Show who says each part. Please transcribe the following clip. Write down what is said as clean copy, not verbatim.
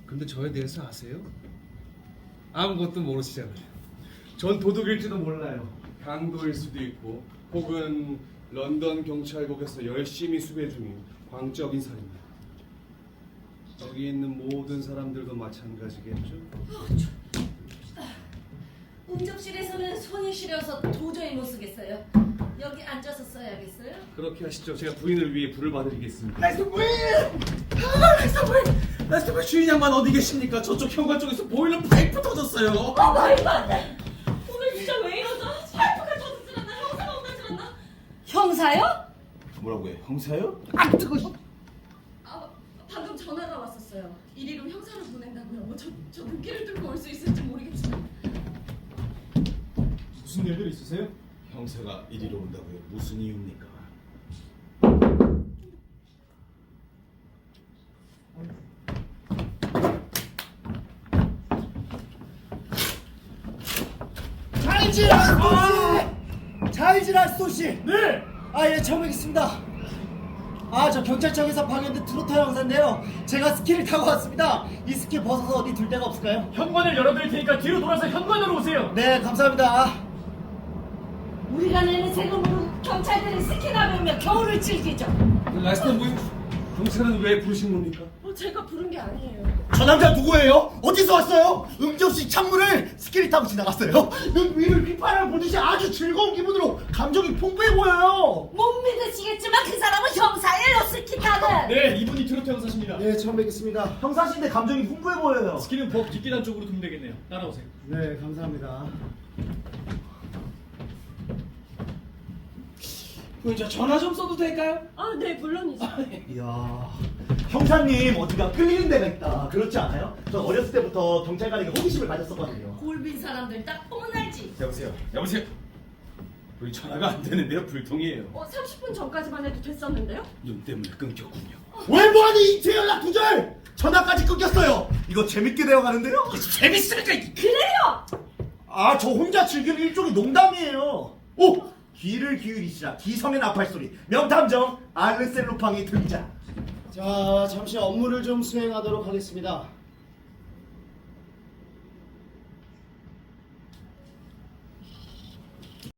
Speaker 1: 근데 저에 대해서 아세요? 아무것도 모르시잖아요. 전 도둑일지도 몰라요. 강도일 수도 있고 혹은 런던 경찰국에서 열심히 수배 중인 광적인 살인마. 여기 있는 모든 사람들도 마찬가지겠죠?
Speaker 2: 응접실에서는 손이 시려서 도저히 못 쓰겠어요. 여기 앉아서 써야겠어요?
Speaker 1: 그렇게 하시죠. 제가 부인을 위해 불을 봐드리겠습니다.
Speaker 3: 레스터 부인! 레스터 부인 주인 양반 어디 계십니까? 저쪽 현관 쪽에서 보일러 파이프 터졌어요.
Speaker 2: 말도 안 돼! 오늘 진짜 왜 이러죠? 파이프가 터지질 않나? 형사가 오질 않나? 형사요?
Speaker 3: 뭐라고요? 형사요?
Speaker 2: 아 방금 전화가 왔었어요. 이리로 형사를 보낸다고요. 저 눈길을 뚫고 올 수 있을지 모르겠지만.
Speaker 4: 무슨 일들 있으세요?
Speaker 3: 형사가 이리로 온다고요? 무슨 이유입니까?
Speaker 5: 잘지라 소씨.
Speaker 4: 네!
Speaker 5: 예, 처음 뵙겠습니다. 저 경찰청에서 방영된 트로트 형사인데요. 제가 스키를 타고 왔습니다. 이 스키 벗어서 어디 둘 데가 없을까요?
Speaker 4: 현관을 열어드릴 테니까 뒤로 돌아서 현관으로 오세요.
Speaker 5: 네, 감사합니다.
Speaker 2: 우리가 내는 세금으로 경찰들이 스키나 배우며 겨울을 즐기죠.
Speaker 1: 라스터 부인, 경찰은 왜 부르신 겁니까?
Speaker 2: 제가 부른 게 아니에요.
Speaker 5: 저 남자 누구예요? 어디서 왔어요? 응접실 창문을 스키를 타고 지나갔어요. 눈 위를 휘파람을 보듯이 아주 즐거운 기분으로 감정이 풍부해 보여요.
Speaker 2: 못 믿으시겠지만 그 사람은 형사예요. 스키 타는.
Speaker 4: 네, 이분이 트로트 형사십니다.
Speaker 5: 네, 처음 뵙겠습니다. 형사신데 감정이 풍부해 보여요.
Speaker 4: 스키는 법 뒷계단 쪽으로 두면 되겠네요. 따라오세요.
Speaker 5: 네, 감사합니다.
Speaker 3: 저 전화 좀 써도 될까요?
Speaker 2: 네 물론이죠.
Speaker 5: 이야, 형사님 어디가 끌리는 데가 있다. 그렇지 않아요? 저 어렸을 때부터 경찰관에게 호기심을 가졌었거든요.
Speaker 2: 골빈 사람들 딱 보면 알지.
Speaker 3: 여보세요? 우리 전화가 안 되는데요? 불통이에요.
Speaker 2: 30분 전까지만 해도 됐었는데요?
Speaker 3: 눈 때문에 끊겼군요.
Speaker 5: 왜 뭐하니 이체 연락 두절! 전화까지 끊겼어요. 이거 재밌게 되어가는데요?
Speaker 3: 재밌으니까
Speaker 2: 그래요!
Speaker 5: 저 혼자 즐기는 일종의 농담이에요. 오! 귀를 기울이시라. 기성의 나팔 소리. 명탐정 알르셀 루팡이 들리자. 자, 잠시 업무를 좀 수행하도록 하겠습니다.